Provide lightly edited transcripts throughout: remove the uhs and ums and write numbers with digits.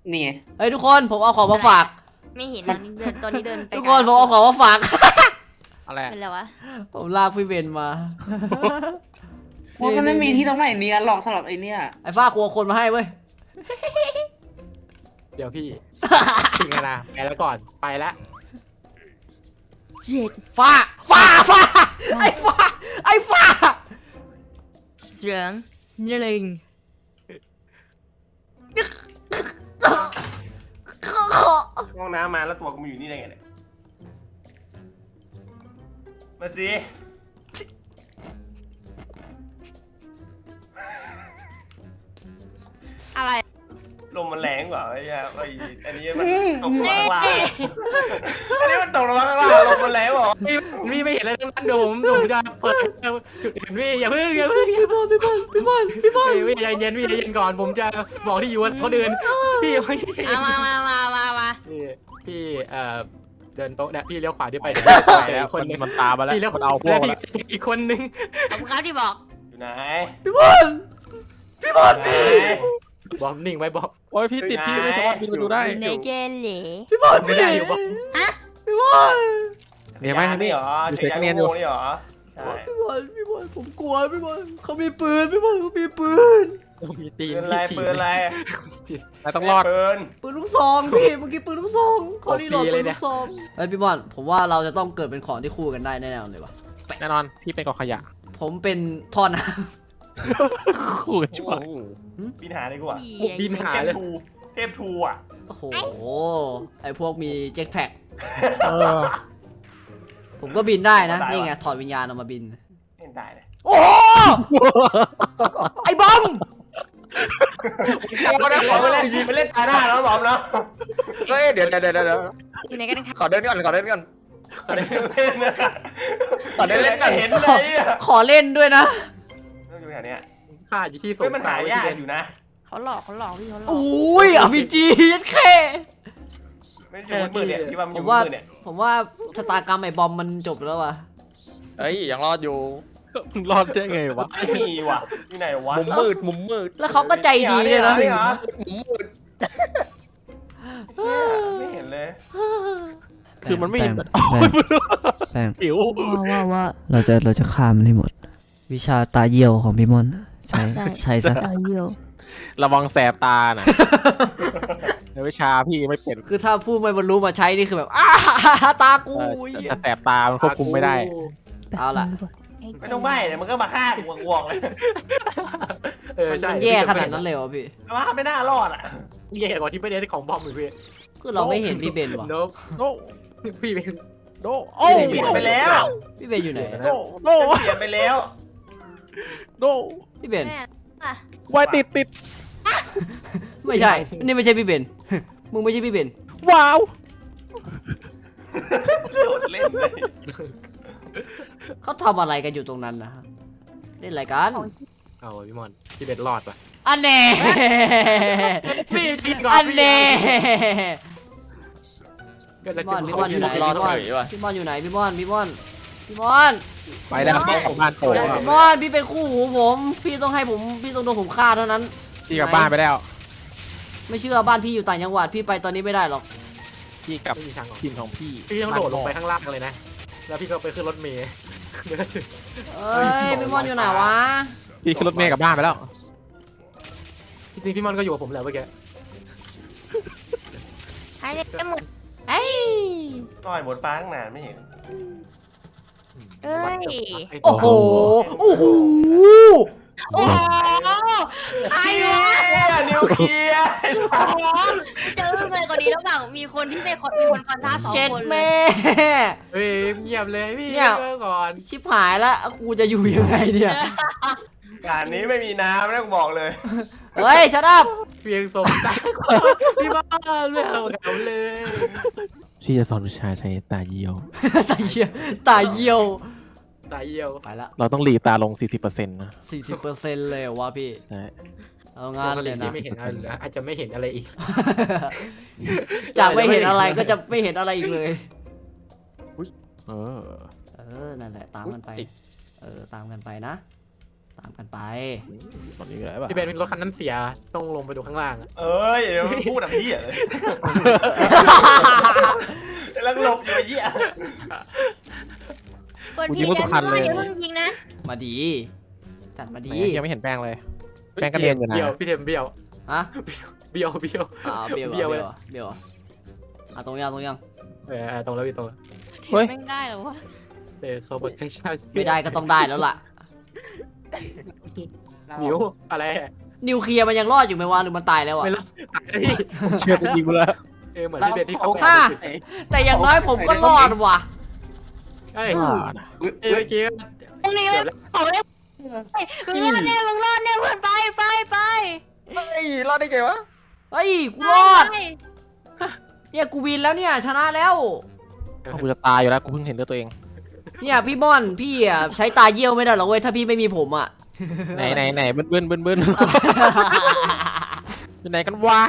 นี่ไงเฮ้ยทุกคนผมเอาของมาฝากไม่เห็นตอนนี้เดินไปทุกคนผมเอาของมาฝากอะไรเป็นไรวะผมลากพี่เบนมาว่ามันไม่มีที่ตรงไหนเนี้ยหลอกสำหรับไอเนี้ยไอ้ฟ้ากลัวคนมาให้เว้ยเดี๋ยวพี่ถึงไงนะไปแล้วก่อนไปแล้วเจ็ดฟ้าไอ้ฟ้าเสียงนี่เลยห้องน้ำมาแล้วตัวกูมาอยู่นี่ได้ไงเนี่ยมาสิอะไรลมมันแรงกว่าไอ้เหี้ยอันนี้มันตกลงมาข้างล่างอันนี้มันตกลงมาข้างล่างลมมันแรงกว่าพี่ไม่เห็นอะไรทั้งนั้นเดี๋ยวผมจะเปิดจุดอื่นพี่อย่าเพิ่งพี่บอลพี่ใจเย็นพี่ใจเย็นก่อนผมจะบอกที่อยู่เขาเดินพี่ไม่ใช่เอามาพี่เดินโต๊ะเนี่ยพี่เลี้ยวขวาที่ไปแล้วคนนึงมันตามมาแล้วพี่เลี้ยวมันเอาพวกพี่แล้วอีกคนนึงขอบคุณครับที่บอกอยู่ไหนพี่บอลพี่บอกนิ่งไว้บอกโอ้ยพี่ติดพี่ไม่สามารถบินไปดูได้ในเกลเหล่พี่บอลไม่ได้อยู่บอกพี่บอลเนี่ยไหมนี่เหรออยู่จัเซ็กรกยานเนียนอยู่โง่นี่เหรอใช่พี่บอลผมกลัวพี่บอลเขามีปืนพี่บอลเขามีปืนมีตีปืนอะไรปืนอะไรนายต้องรอดปืนปืนลูกซองพี่เมื่อกี้ปืนลูกซองเขานี่โหลดปืนลูกซองเฮ้ยพี่บอลผมว่าเราจะต้องเกิดเป็นของที่คู่กันได้แน่ๆเลยวะแน่นอนพี่เป็นกองขยะผมเป็นท่อน้คู่กันช่วยบินหาดีกว่าบินหาเทเลพยทูเทพทูอ่ะำโอ้โหไอพวกมีเจ็ตแพ็คเออผมก็บินได้นะนี่ไงถอดวิญญาณออกมาบินเห็นได้เลยโอ้โหไอ้บอมเอาได้ขอไปเล่นตาหน้าแล้วบอมเนาะเฮ้ยเดี๋ยวอยู่ไหนกันครับขอเดินก่อนเล่นนะขอเดินเล่นก่อนเห็นเลยอ่ะขอเล่นด้วยนะต้องอยู่แถวเนี้ยค่าอยู่ที่สเฮ้ยมันหายากอยู่นะเขาหลอกพี่เขาหลอกอุ้ยอาร์พีจีแค่ไม่อยู่มืดเนี่ยที่ว่ามันผอยู่มว่ามืดเนี่ยผมว่าชะตากรรมไอ้บอมมันจบแล้วว่ะเฮ้ยยังรอดอยู่มึงรอดได้ไงวะไม่มีว่ะอยู่ไหนวะมุมมืดแล้วเขาก็ใจดีเลยนะนี่เหรอมุมมืดไม่เห็นเลยคือมันไม่เห็นแป้งผิวว่าเราจะฆ่ามันให้หมด วิชาตาเยี่ยวของพี่มอนใช้ซะตายเยี่ยวระวังแสบตาน่ะในวิชาพี่ไม่เป็นคือถ้าผู้ไม่บรรลุมาใช้นี่คือแบบอ้าตากูจะแสบตามันควบคุมไม่ได้เอาล่ะไม่ต้องใบ้เนี่ยมันก็มาฆ่ากูกวงเลยใช่มันแย่ขนาดนั้นเลยเหรอพี่ว่าไม่น่ารอดอ่ะแย่กว่าที่ไม่ได้ของบอมอีกพี่คือเราไม่เห็นพี่เบนว่ะโนโนพี่เป็นโนโอ้เปลี่ยนไปแล้วพี่เบนอยู่ไหนโนโนเปลี่ยนไปแล้วโนพี่เบนแม่อ่ะควายติดไม่ใช่นี่ไม่ใช่พี่เบนมึงไม่ใช่พี่เบนว้าวโดดเล่นเลยเขาทำอะไรกันอยู่ตรงนั้นนะฮะเล่นอะไรกันเอาพี่มอนพี่เบ็ดรอดป่ะอันแน่พี่กินก่อนอันแน่ก็จะพี่มอนอยู่ไหนรอดเฉยว่ะพี่มอนอยู่ไหนพี่มอนไปแล้วเข้าของบ้านโป่งพี่มอนพี่เป็นคู่หูผมพี่ต้องให้ผมพี่ต้องโดนผมฆ่าเท่านั้นพี่กลับบ้านไปแล้วไม่เชื่อบ้านพี่อยู่ต่างจังหวัดพี่ไปตอนนี้ไม่ได้หรอกพี่กับไม่มีทางออกทีมของพี่พี่ต้องโดดลงไปข้างล่างเลยนะแล้วพี่ก็ไปขึ้นรถเมล์เอ้ยพี่มอนอยู่ไหนวะพี่ขึ้นรถเมล์กลับบ้านไปแล้วจริงๆพี่มอนก็อยู่กับผมแล้วเมื่อกี้หายไปหมดเอ้ยต่อยบนฟ้าตั้งนานไม่เห็นเอ้ยโอ้โหโอ้โหโอ้โหใครวะนิวเคลียร์โอ้โหเจอเลยกว่านี้แล้วเปล่ามีคนที่มีคนฟันท่า2 เช็ดคนเลแม่ยเฮ้ยเงียบเลยพี่เนี่ยก่อนชิบหายแล้วกูจะอยู่ยังไงเนี่ยการนี้ไม่มีน้ำนะกูบอกเลยเฮ้ยชัดอัพเพียงสมตาพี่บ้านไม่เอาเขาเลยพี่จะสอนวิชาใช้ตาเยี่ยวตาเยี่ยวตาเยี่ยวตายเยี่ยวไปละเราต้องหลีตาลง 40%นะ 40%เลยเหรอวะพี่ใช่เอางานเลยนะไม่เห็นอะไรเลยอาจจะไม่เห็นอะไรอีกจากไม่เห็นอะไรก็จะไม่เห็นอะไรอีกเลยเออนั่นแหละตามกันไป ตามกันไปนะ ตตามกันไปตอนนี้อะไรป่ะพี่เบนรถคันนั้นเสียต้องลงไปดูข้างล่างอะเอ้ยเดี๋ยวมันพูดแบบนี้อ่ะเลยแล้วหลบอยู่ไอ้เหี้ยกดพี่แกนด้วยอย่าเพิ่งยิงนะมาดี จัดมาดียังไม่เห็นแป้งเลย แป้งกระเด็นอยู่นะเบี้ยวพี่เทมเบี้ยวฮะเบี้ยวเบียวเบี้เบียยว วเบียวตรงยังตรงแล้วพี่ตรงแล้วไม่ได้หรอวะเขาบอกให้ใช่ไม่ได้ก็ต้องได้แล้วล่ะหมิวอะไรนิวเคลียร์มันยังรอดอยู่ไหมวะหรือมันตายแล้วอะไม่รู้พี่เชื่อจริงกูแล้วเหมือนพี่เบนที่เขาแต่อย่างน้อยผมก็รอดว่ะเฮ้ยเมื่อกี้ตรงนี้ขอเลยมึงรอดแน่เพื่อนไปเฮ้ยรอดได้ไงวะเฮ้ยกูรอดเนี่ยกูวินแล้วเนี่ยชนะแล้วกูจะตายอยู่แล้วกูเพิ่งเห็นด้วยตัวเองเนี่ยพี่ม่อนพี่อ่ะใช้ตาเยี่ยวไม่ได้หรอกเว้ยถ้าพี่ไม่มีผมอ่ะไหนเบิ้ลอยู่ไหนกันวะ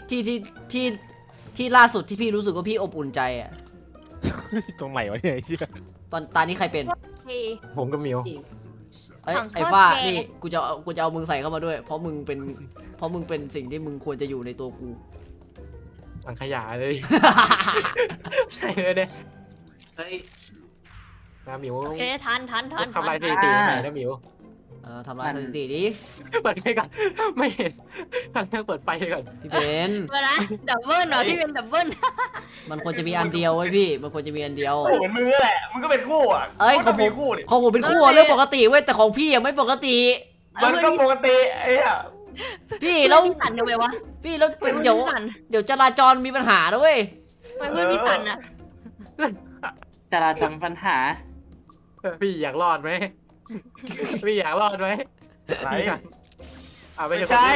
ที่ล่าสุดที่พี่รู้สึกว่าพี่อบอุ่นใจอ่ะตรงไหนวะเนี่ยไอ้เหี้ยตอนตานี้ใครเป็นผมกับหมิวไอ้ฟ้านี่กูจะเอามึงใส่เข้ามาด้วย เพราะมึงเป็นสิ่งที่มึงควรจะอยู่ในตัวกูถังขยะเลยใช่เลยเนี่ยเฮ้ยหมิวโอเคทันทำลายสถิติไหนนะหมิวทำลายสถิติดิเปิดไฟก่อนไม่เห็นทางเปิดไฟก่อนพี่เบนเวลาดับเบิลเหรอพี่เป็นดับเบิลมันควรจะมีอันเดียวไว้พี่ มันควรจะมีอันเดียวโอ้เหมือนมึงนั่นแหละมึงก็เป็นคู่อ่ะเอ้ยก็มีคู่ดิของผมเป็นคู่อะเรื่องปกติเว้ยแต่ของพี่อะไม่ปกติมันก็ปกติไอ้เหี้ยพี่แล้แล้ว วมีสันทำไมวะพี่แล้วเพื่อนเดี๋ยวมีสันเดี๋ยวจราจรมีปัญหานะเว้ยเพื่อนมีสันอะจราจรปัญหาพี่อยากรอดไหมพี่อยากรอดไหมไหนไม่ไม่ใช่ใช่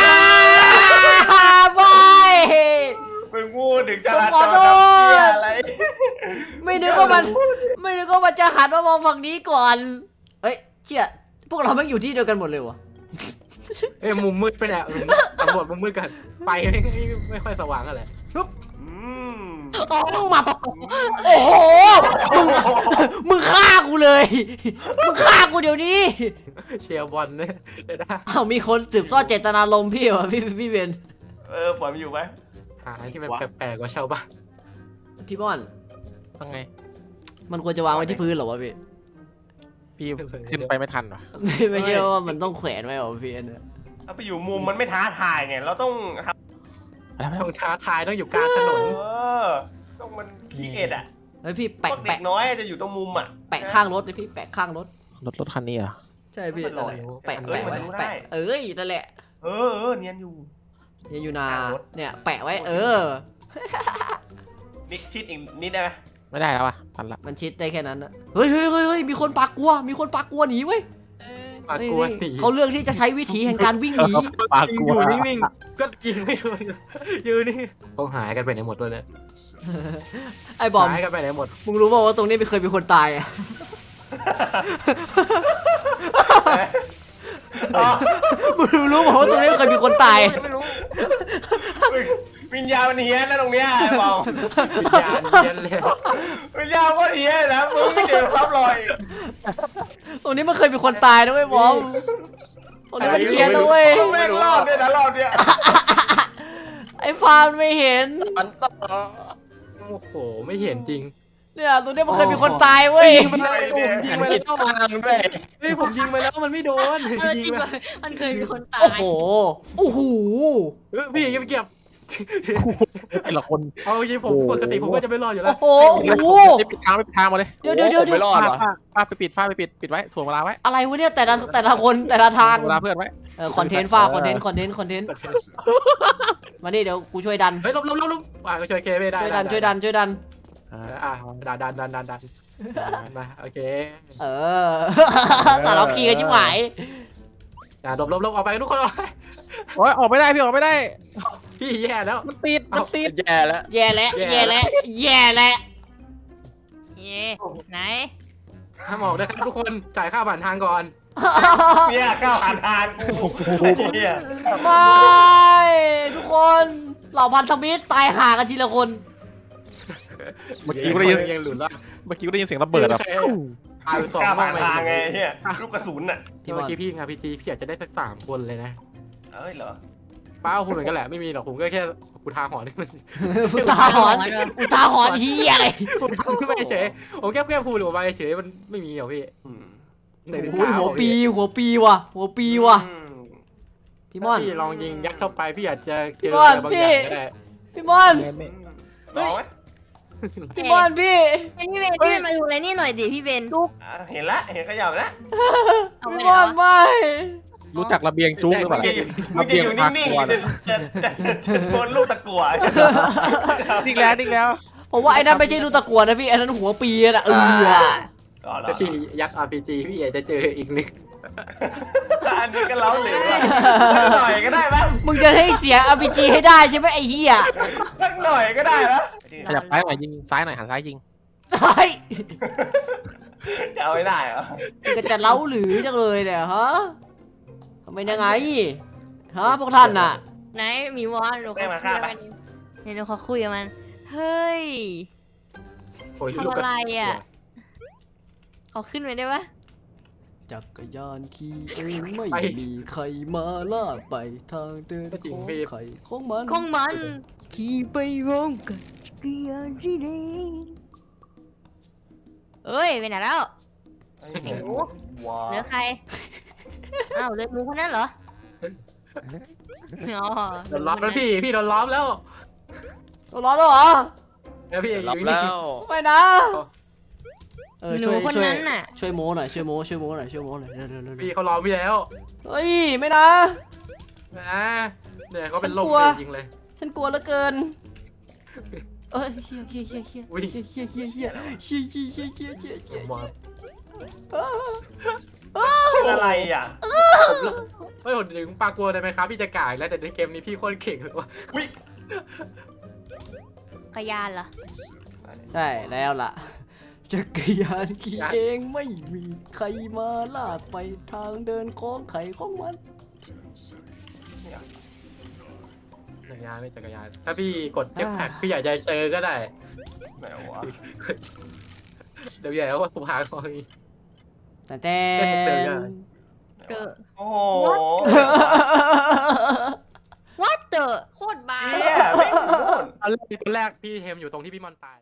บายมึงพูดถึงจราจขอรโทษเหี้ยอะไรไม่นึกว่ามันจะหันมามองฝั่งนี้ก่อน เฮ้ยเชี่ยพวกเราแม่งอยู่ที่เดียวกันหมดเลยวะมุมมืดไปแหละตำรวจมุมมืดกันไปไม่ค่อยสว่างอะไรอืมมึงมาโอ้โหมึงฆ่ากูเลย มึงฆ่ากูเดี๋ยวนี้เชียร์บอลเนี่ยนะอ้าวมีคนสืบทอดเจตนารมณ์พี่วะพี่เบนปล่อยมันอยู่ไหมหาที่มันแปลกๆกว่าชาวบ้านพี่ม่อนยังไงมันควรจะวางไว้ที่พื้นเหรอวะพี่พี่ขึ้นไปไม่ทันวะไม่ใช่ว่ามันต้องแขวนไว้เหรอพี่อันเนี่ยเอาไปอยู่มุมมันไม่ท้าทายไงเราต้องทต้องท้าทายต้องอยู่กลางถนนำต้องมันพีเอ็ดอ่ะเฮ้ยพี่พวกเด็แปะกน้อยจะอยู่ตรงมุมอ่ะแปะข้างรถเลยพี่แปะข้างรถรถคันนี้เหรอใช่พี่มันลนั่นอยแหละอยู่แปะเอ้ยแปะมันไว้รู้แปะได้เอ้ยนั่นแหละเนียนอยู่เนี่ยอยู่นาข้างรถเนี่ยแปะไว้นิดชิดอีกนิดได้ไหมไม่ได้แล้ววะทันละมันชิดได้แค่นั้นนะเฮ้ยมีคนปากกลัวหนีเว้ยปากกลัวหนีเขาเลือกที่จะใช้วิธีแห่งการวิ่งหนีปากกูอยู่นิ่งๆก็ยิงไม่โดนอยู่นี่เขาหายกันไปไหนหมดเลยเนี่ยไอ้บอมหายกันไปไหนหมดมึงรู้เปล่าว่าตรงนี้ไม่เคยมีคนตายอะมึงรู้เปล่าว่าตรงนี้ไม่เคยมีคนตายไม่รู้วิญญาณมันเฮี้ยนนะตรงเนี้ยไอ้บอมวิญญาณเย็นเลยวิญญาณก็เฮี้ยนนะมึงไม่เจอซับรอยตรงนี้มันเคยมีคนตายนะเว้ยบอมตรงนี้มันเฮียนนะเว้ยแม่งรอบเนี่ยนะรอบเนี่ยไอ้ฟาร์มไม่เห็นมันต่อโอ้โหไม่เห็นจริงเนี่ยตรงนี้มันเคยมีคนตายเว้ยยิงไปแล้วทางด้วยเฮ้ยผมยิงไปแล้วมันไม่โดนจยิริงงไปมันเคยมีคนตาโอ้ยโหพี่ยังไม่เก็บไอ้ละคนเอาจริงผมปกติผมก็จะไม่รอดอยู่แล้โอ้วโหไม่ปิดทางมาเลยเดี๋ยวไม่รอดวะฟ้าไปปิดไว้ถ่วงเวลาไว้อะไรวะเนี่ยแต่ละคนแต่ละทางเวลาเพื่อนไว้คอนเทนต์ฟ้าคอนเทนต์มาดิเดี๋ยวกูช่วยดันเฮ้ยลบก็ช่วยเคไม่ได้ช่วยดันดันมาโอเคสารคีกันชิบหายลบออกไปทุกคนออกโอ้ยออกไม่ได้พี่ออกไม่ได้พี่แย่แล้วมันติดแย่แล้วแย่แล้วเย่ไหนห้ามออกด้วยครับทุกคนจ่ายค่าผ่านทางก่อนเนี่ยข้าวผ่านทางกูไอ้เหี้ยไม่ทุกคนเหล่าพันธมิตรตายห่ากันทีละคนเมื่อกี้กูได้ยินยังหลุดแล้วเสียงระเบิดแบบพาไปสองกล้าห้อผ่าง นไปทางไงเฮียลูกกระสุนอ่ะพี่บเมื่ออลกี้พี่ครับพี่จีพี่อยากจะได้สัก3 คนเลยนะเอ้ยเหรอป้าคุณเหมือนกันแหละไม่มีหรอกผมก็แค่อุทาหรณ์นี่มันอุทาหรณ์อุทาหรณ์เฮียอะไรผมทำขึ้นมาเฉยผมแค่พูดออกมาเฉยมันไม่มีหรอกพี่อืมในโอ้ยหัวปีว่ะหัวปีว่ะอืมพี่มอนพี่ลองยิงยัดเข้าไปพี่อาจจะเจพี่อมอนอะไรบางอย่างก็ได้พี่มอนลองไหมพี่มอนพี่เป็นพี่เบนพี่เบนมาดูอะไรนี่หน่อยดิพี่เบนอ่ะเห็นละเห็นขยับแล้วเอาไปพี่ไหมนอนวะไม่รู้จักระเบียงจุ๊กหรือเปล่ามึงจะอยู่นิ่งๆจะโดนลูกตะกั่วนิ่งแล้วผมว่าไอ้นั่นไม่ใช่ลูกตะกั่วนะพี่ไอ้นั่นหัวปีนะก็เหรอถ้าพี่ยัด RPG พี่อาจจะเจออีกนึงอันนี้ก็เล้าเหลวอะสักหน่อยก็ได้ปะมึงจะให้เสีย RPG ให้ได้ใช่ไหมไอ้เหี้ยสักหน่อยก็ได้ปะขยับซ้ายหน่อยยิงซ้ายหน่อยหันซ้ายยิงเฮ้ยจะเอาไม่ได้เหรอมึงก็จะเล้าหรือจังเลยเนี่ยฮะทำไมยังไงฮะพวกท่านน่ะไหนหมีวอนหนูขอคุยกับมันเดี๋ยวหนูขอคุยกับมันเฮ้ยโอ้ยทำอะไรอ่ะขอขึ้นไปได้ปะจักรยานขี่เองไม่มีใครมาลากไปทางเดินของใครของมันของมันขี่ไปวงกันเกียร์ที่ดีเอ้ยไปไหนแล้วไอ้หมูว้าเหลือใครอ้าวเหลือหมูคนนั้นเหรออ๋อโดนล้อมแล้วพี่โดนล้อมแล้วร้อนแล้วเหรอแล้วพี่รับแล้วไม่นะหนูคนนั้นน่ะช่วยโม้หน่อยช่วยโม้หน่อยเร็วพี่เขาล้อมพี่แล้วเฮ้ยไม่นะนะเนี่ยเขาเป็นลมฉันกลัวจริงเลยฉันกลัวเหลือเกินเอ้ยเฮียอุ๊ยอะไรอ่ะไม่ผมถึงปากกลัวได้ไหมครับพี่จะก่ายแล้วแต่ในเกมนี้พี่โคตรเก่งเลยว่ะกระยานเหรอใช่แล้วล่ะจักรยานขี่เองไม่มีใครมาลากไปทางเดินของใครของมันจักรยานไม่จักรยานถ้าพี่กดเจ็ตแพ็กพี่อยากจะเจอก็ได้ไหนวะเดี๋ยวว่าผมหาของนี้แต่เดอะโอ้โห what the โคตรบ้าเฮียไม่งโดนตอนแรกพี่เทมอยู่ตรงที่พี่มอนตาย